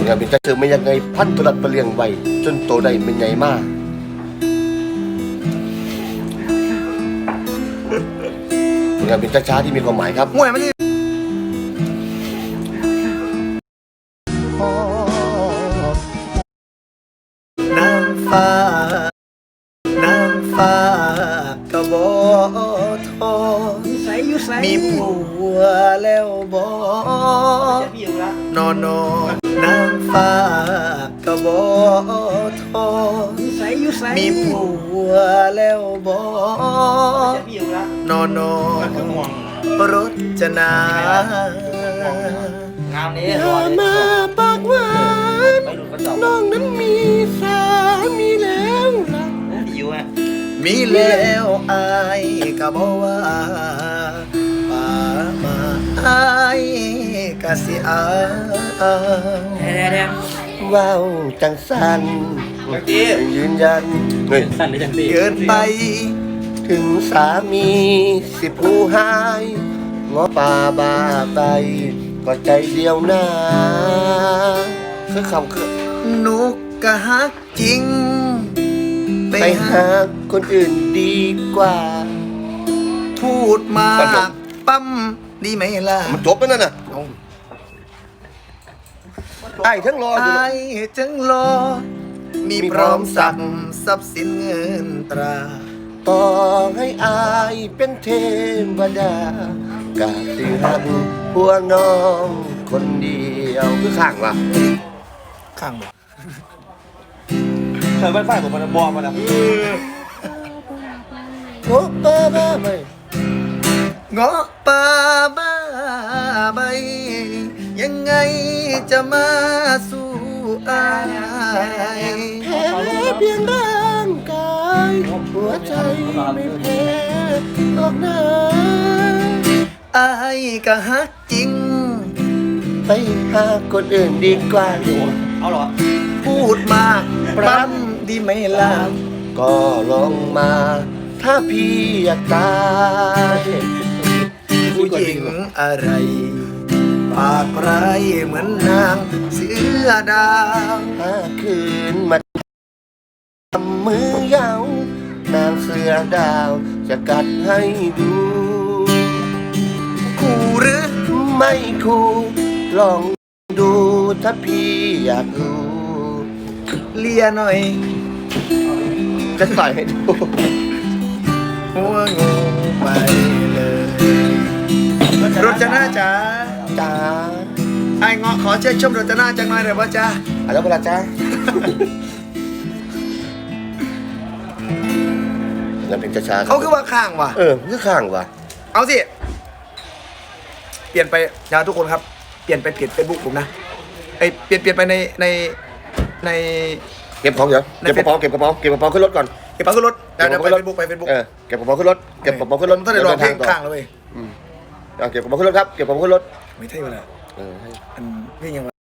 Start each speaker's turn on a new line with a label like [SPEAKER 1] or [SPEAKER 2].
[SPEAKER 1] งานเป็นจะเจอไม่ยังไงพันตุลัดประเลียงไว้จนโตได้เป็นใหญ่มากงานเป็นช้าๆที่มีความหมายครับ
[SPEAKER 2] ห่วยมันนี่นางฟ้านางฟ้ากะบ่ทอมีผัวแล้วบ่นอนนางฟ้ากะบ่ทอมีผัวแล้วบ่นอนรจนางามนี้รอมาปากหวานน้องนั้นมีสามีแล้วล่ะมีแล้วอายก็บอกว่าป่ามาอายก็สิเอาว้าวจังสันยืนยันเกินไปถึงสามีสิผู้หายงอป่าบาไปก็ใจเดียวนะคือคำคือนุกกะฮักจริงไปหาคนอื่นดีกว่าพูดมาปั๊มดีไหมล่ะ
[SPEAKER 1] มันจบแล้วนั่นน่ะไอ้ทั้งรอไอ้
[SPEAKER 2] ทั้งรอมีพร้อมสั่งทรัพย์สินเงินตรา
[SPEAKER 1] ต่อให้อายเป็นเทวดากาสิหักหัวน้องคนเดียวคือข้างวะ
[SPEAKER 2] ข้างบ่
[SPEAKER 3] เคยไฟผมมันบอมมาแล้ว
[SPEAKER 1] งอป่าบ้าใบ
[SPEAKER 2] งอป่าบ้าใบยังไงจะมาสู้อาย
[SPEAKER 1] แพ้เพียงร่างกายหัวใจไม่แพ้ออกหน้า
[SPEAKER 2] อายก็ฮักจริง
[SPEAKER 1] ไปหาคนอื่นดีกว่า
[SPEAKER 3] เอาเหรอ
[SPEAKER 2] พูดมากปรำดีไหมล่ะ
[SPEAKER 1] ก็ลองมาถ้าพี่อยากตาย
[SPEAKER 2] ผู้หญิงอะไรปากไรเหมือนนางเสือดาว
[SPEAKER 1] ถ้าคืนมาทำมือยาวนางเสือดาวจะกัดให้ดู
[SPEAKER 2] คู่หรือ
[SPEAKER 1] ไม่คู่ลองดูถ้าพี่อยากรู้
[SPEAKER 2] เลียหน่อย
[SPEAKER 1] จะใส่ให้ดู
[SPEAKER 2] หัวงูไปเลยรจนาจ๋า
[SPEAKER 1] จ้า
[SPEAKER 2] ไอ้เงาะขอเชิญชมรจนาจังหน่อยเดี๋ยวว่าจ้า
[SPEAKER 1] แล้วเวลาจ้านั่นเป็นช้า
[SPEAKER 2] เขาคือว่าข้างว่ะ
[SPEAKER 1] คือข้างว่ะ
[SPEAKER 2] เอาสิเปลี่ยนไปนะทุกคนครับเปลี่ยนไปเพจเฟซบุ๊กผมนะไอเปลี่ยนไปใน
[SPEAKER 1] เก็บของเดี๋ยวเก็บกระเป๋าขึ้นรถก่อน
[SPEAKER 2] เก็บกระเป๋าขึ้นรถเดี๋ยวไปเฟซบุ๊ก
[SPEAKER 1] เก็บกระเป๋าขึ้นรถเก็บกระเป๋าขึ้นรถ
[SPEAKER 2] ถ้าได้รอเพลงข้างแล้วเว้ย
[SPEAKER 1] เก็บกระเป๋าขึ้นรถครับเก็บกระเป๋าขึ้นรถ
[SPEAKER 2] ไม่ใช่เวลาอันเพลงยัง